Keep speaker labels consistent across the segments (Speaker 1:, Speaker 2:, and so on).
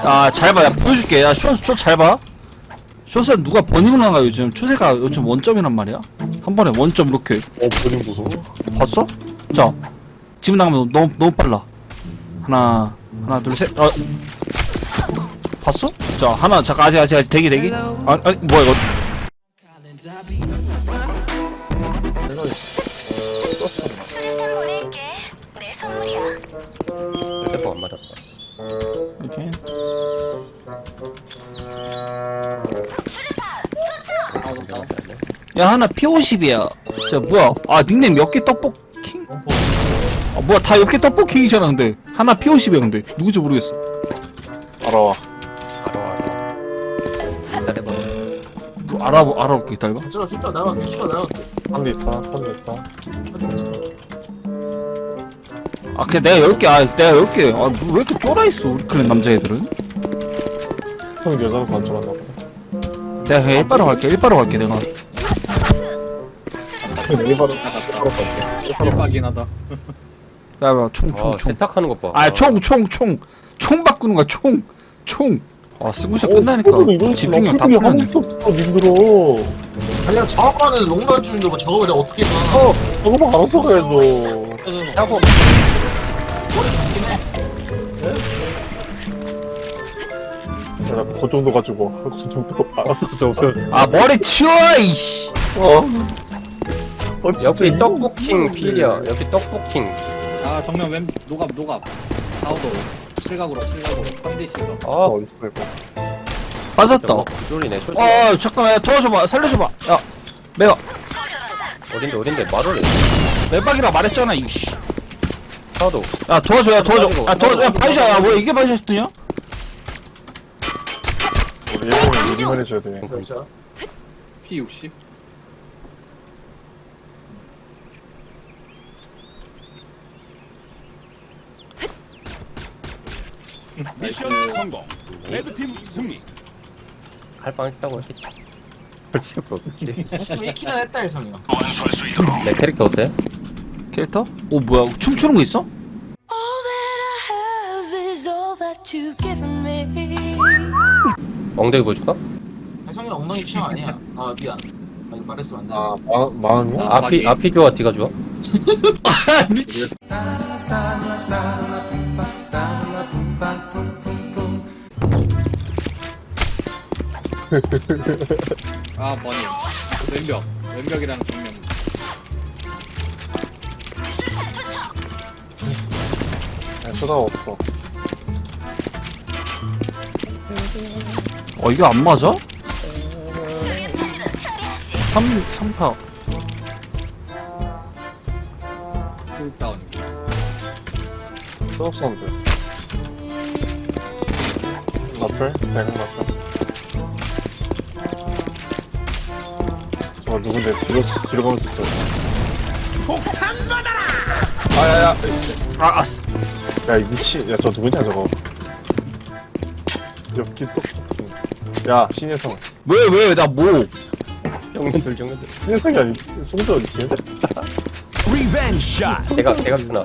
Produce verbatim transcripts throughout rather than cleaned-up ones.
Speaker 1: 아, 잘 봐. 야, 보여줄게. 야, 쇼, 쇼 잘 봐. 쇼스 누가 버닝을 나가 요즘. 추세가 요즘 원점이란 말이야. 한 번에 원점 이렇게.
Speaker 2: 어, 버닝 무서워.
Speaker 1: 봤어? 자, 지금 나가면 너무, 너무 빨라. 하나, 하나, 둘, 셋. 어. 봤어? 자, 하나, 잠깐, 아직, 아직, 아직, 대기, 대기. 아, 아니, 뭐야, 이거.
Speaker 2: 내가, 어, 떴어.
Speaker 3: 수류탄 보낼게. 내 선물이야.
Speaker 4: 휴대폰 안 맞았다.
Speaker 1: 이렇게. 야, 하나 피 오십이야. 자, 뭐야. 아, 닉네임 몇 개 떡볶킹? 아, 뭐야, 다 몇 개 떡볶킹이잖아, 근데. 하나 피 오십이야, 근데. 누구지 모르겠어.
Speaker 2: 알아와.
Speaker 4: 기다려봐.
Speaker 1: 뭐, 알아보, 알아볼게, 기다려봐.
Speaker 5: 저 슈터 나갈게 슈터 나갈게
Speaker 2: 한대 있다, 한대 있다.
Speaker 1: 아, 그냥 내가 열 개, 아, 내가 열 개. 아, 뭐 왜 이렇게 쫄아있어, 우리 클랜 남자애들은?
Speaker 2: 형 여자라서 안 좋아한다.
Speaker 1: 내가 그냥 일바로 갈게, 일바로 갈게, 내가.
Speaker 2: 일바로
Speaker 6: 일박이긴 하다.
Speaker 1: 야, 야, 총, 총,
Speaker 4: 아,
Speaker 1: 총.
Speaker 4: 세탁하는 것 봐.
Speaker 1: 아, 총, 총, 총. 총 바꾸는 거야, 총. 총. 아, 스무샷 끝나니까. 집중력 다 풀렸네.
Speaker 2: 어, 힘들어.
Speaker 5: 그냥 작업하는 롱런 중인데 뭐 작업을 내가 어떻게 봐
Speaker 2: 어, 저거만 알아서 가야죠.
Speaker 4: 작업.
Speaker 5: 머리 좋긴 해
Speaker 2: 야, 그 정도 가지고, 그 정도 알아서 가져.
Speaker 1: 아, 머리 치워, 이씨.
Speaker 2: 어. 어, 진짜
Speaker 4: 여기
Speaker 2: 이거
Speaker 4: 떡볶킹 필이야. 여기 떡볶킹.
Speaker 6: 아 정면 왼 노갑 노갑. 사우도 실각으로 실각으로 삼 대 실각.
Speaker 4: 아,
Speaker 2: 어딨어, 이거.
Speaker 1: 빠졌다.
Speaker 4: 구졸이네. 초지.
Speaker 1: 아, 잠깐만, 야, 도와줘봐. 살려줘봐. 야, 내가
Speaker 4: 어딘데 어딘데 말을 해.
Speaker 1: 매박이라 말했잖아, 이씨.
Speaker 4: 하나도.
Speaker 1: 야, 도와줘, 야, 도와줘. 야, 도와줘. 야, 바이샤, 야, 뭐야, 이게 바이샤였더냐?
Speaker 2: 우리 예능을 미리만 해줘야 돼.
Speaker 5: 그렇죠
Speaker 6: 피 육십.
Speaker 7: 미션 성공. 레드팀 승리.
Speaker 4: 할빵 했다고 했겠지. 벌써 그렇지.
Speaker 5: 했으면 일 킬은 했다 일성이야
Speaker 4: 내 캐릭터 어때?
Speaker 1: 캐릭터? 오, 뭐야, 춤추는 거 있어?
Speaker 3: All that I have is all that you've given me.
Speaker 4: 엉덩이 보여줄까?
Speaker 5: 혜성이 엉덩이 취향 아니야 아 미안 아 이거 말했으면 안돼
Speaker 2: 아, 마, 마음이야?
Speaker 4: 아피 아피 교와 D가 좋아?
Speaker 1: 아, 미친.
Speaker 6: 아 버닝. 왼벽. 왼벽이라는 정면.
Speaker 2: 야, 쳐다가 없어.
Speaker 1: 어, 이거 안 맞아? 삼, 삼파.
Speaker 6: 풀다운이고.
Speaker 2: 수업 사운드. 라플? 대강 라플. 저거 누군데 뒤로, 뒤로 가면서 있어. 폭탄 받아라! 아, 야, 야, 이씨.
Speaker 1: 아, 아스.
Speaker 2: 야, 이 미친. 야, 저 누구냐, 저거. 여기 또. 야, 신혜성.
Speaker 1: 왜, 왜, 나 뭐.
Speaker 4: 정면들 정면들.
Speaker 2: 신혜성이 아니, 송도 어딨지?
Speaker 7: 리벤지 샷.
Speaker 4: 대각 대각 누나.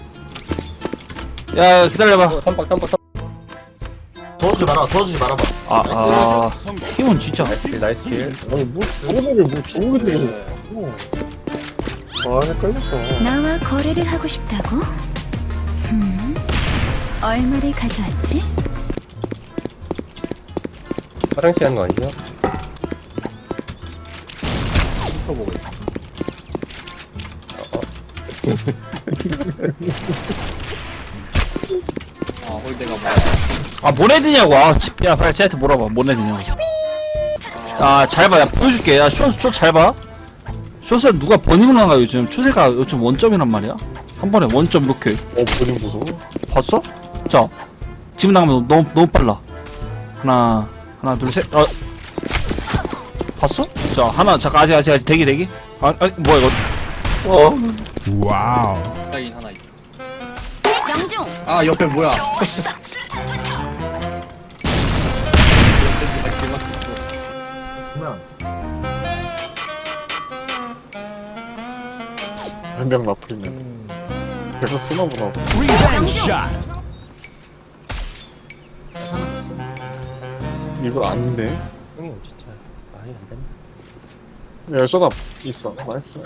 Speaker 1: 야, 기다려봐.
Speaker 4: 어, 삼박 삼박 삼박.
Speaker 5: 도와주지 마라 도와주지 말아봐
Speaker 1: 아, 아. 팀은 진짜.
Speaker 4: 나이스 킬 나이스 킬.
Speaker 2: 아니, 뭐, 저거를 뭐 좋은 게 되게. 어. 아, 헷갈렸어.
Speaker 3: 나와 거래를 하고 싶다고? 음. 얼마를 가져왔지?
Speaker 4: 화장실 하는 거 아니냐?
Speaker 2: 씹어보고.
Speaker 6: 아 홀대가 뭐야.
Speaker 1: 아, 뭔 애드냐고. 아, 지- 야, 빨리 쟤한테 물어봐. 뭔 애드냐고. 아, 잘 봐. 야, 보여줄게. 야, 쇼, 쇼 잘 봐. 쇼스 누가 버닝을 나가 요즘. 추세가 요즘 원점이란 말이야. 한 번에 원점 이렇게.
Speaker 2: 어, 버닝 무서워.
Speaker 1: 봤어? 자, 지금 나가면 너무, 너무 빨라. 하나, 하나, 둘, 셋. 어. 봤어? 자, 하나, 잠깐, 아직, 아직, 아직, 대기, 대기. 아, 아니, 뭐야, 이거.
Speaker 2: 어.
Speaker 7: 와우.
Speaker 6: 따인 하나 있어.
Speaker 3: 영중.
Speaker 6: 아 옆에 뭐야?
Speaker 5: 그러면
Speaker 2: 한명 라플이네. 계속 쓰나보다.
Speaker 7: 리벤지 샷.
Speaker 5: 사는
Speaker 2: 이거 아닌데.
Speaker 4: 형이 진짜 말이 안 되네.
Speaker 2: 야, 쏟아 있어. 나이스.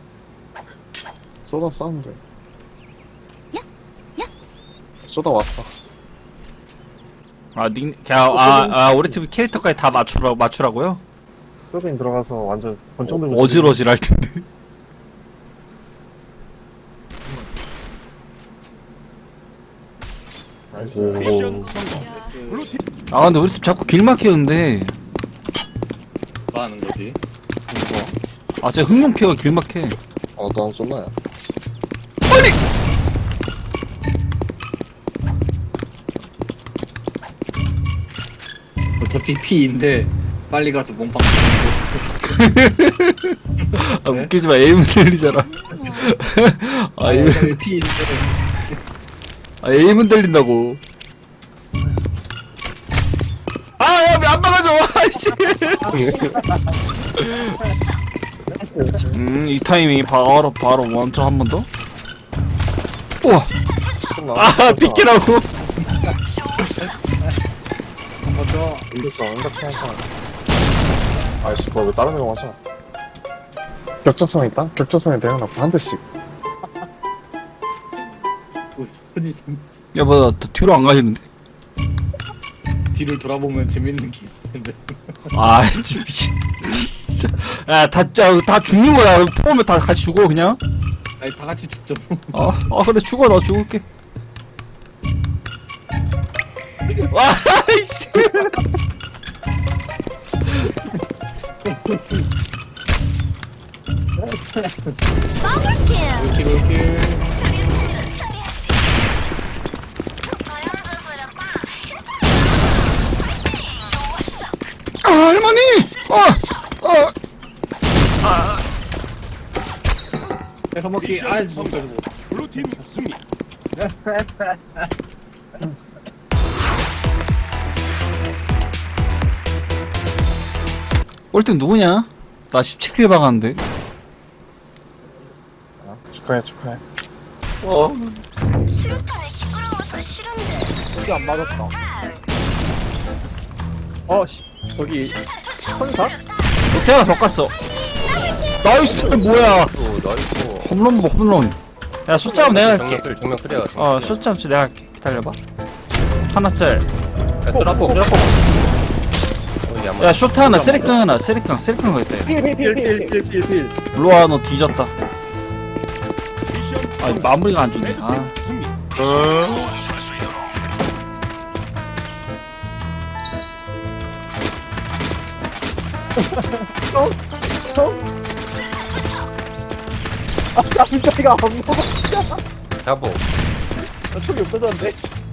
Speaker 2: 쏟아 싸운데. 쏟아 왔다.
Speaker 1: 아, 닉, 그냥, 아, 아, 우리 팀 캐릭터까지 다 맞추라, 맞추라고요?
Speaker 2: 서빙 들어가서 완전 권총 들고.
Speaker 1: 어질어질 할 텐데.
Speaker 2: 나이스.
Speaker 7: 미션 성공. 블루팀
Speaker 1: 아, 근데 우리 팀 자꾸 길 막히는데.
Speaker 6: 뭐 하는 거지?
Speaker 1: 아, 제 흥룡캐가 길 막혀.
Speaker 2: 어, 난 쏟나야.
Speaker 6: 어차피 P인데 빨리 가서 몸빵.
Speaker 1: 아, 웃기지 마. 에임은 들리잖아. 아, 에임,
Speaker 6: 어차피 P인데.
Speaker 1: 아, 에임은 들린다고. 아, 야, 안 막아줘. 아이씨. 음, 이 타이밍이 바로, 바로 원점 한 번 더? 우와. 아, 비키라고.
Speaker 6: 먼저
Speaker 2: 인덱스 완벽히 한 판. 아이씨, 뭐왜 다른 애가 맞아? 격자선 있다? 격자선에 내가 놨고 한 대씩.
Speaker 6: 흔히
Speaker 1: 야, 뭐, 나 뒤로 안 가시는데?
Speaker 6: 뒤를 돌아보면 재밌는 게 있는데.
Speaker 1: 아, 진짜 미친. 진짜. 야, 다, 야, 다 죽는 거야. 포함에 다 같이 죽어, 그냥.
Speaker 6: 아니 다 같이 죽죠.
Speaker 1: 어, 어, 그래, 죽어. 나 죽을게. 와, 이씨.
Speaker 6: 이렇게 이렇게.
Speaker 1: 아, 할머니! 어, 어.
Speaker 6: 해서 먹기.
Speaker 7: 미션
Speaker 6: 아,
Speaker 7: 성공.
Speaker 6: 진짜 뭐.
Speaker 7: 블루팀 승리.
Speaker 1: 꼴등 누구냐? 나 십칠 킬 박았는데.
Speaker 2: 축하해, 축하해.
Speaker 3: 수류탄이 시끄러워서 싫은데.
Speaker 6: 이게 안 맞았다. 어, 씨, 저기 천사?
Speaker 1: 어떻게 하나 더 깠어. 나이스, 뭐야.
Speaker 4: 오, 나이스.
Speaker 1: 홈런 뭐 홈런. 야, 숫자면 내가 할게.
Speaker 4: 정면 클, 정면 클리어.
Speaker 1: 어, 숫자면 내가 할게. 기다려봐. 하나짤.
Speaker 4: 야, 뚜라포, 뚜라포. 어, 이게 안
Speaker 1: 야,
Speaker 4: 맞아.
Speaker 1: 쇼트 하나, 쓰리깡 하나, 쓰리깡, 쓰리깡 거 있다.
Speaker 6: 필필필필필필.
Speaker 1: 일로와, 너 뒤졌다.
Speaker 7: 미션
Speaker 1: 아,
Speaker 7: 성공.
Speaker 1: 마무리가 안 좋네. 아.
Speaker 7: 레드팀 승리.
Speaker 6: 아, 깜짝이야. 안 먹어.
Speaker 4: 잡어.
Speaker 6: 나 총이 없어졌는데.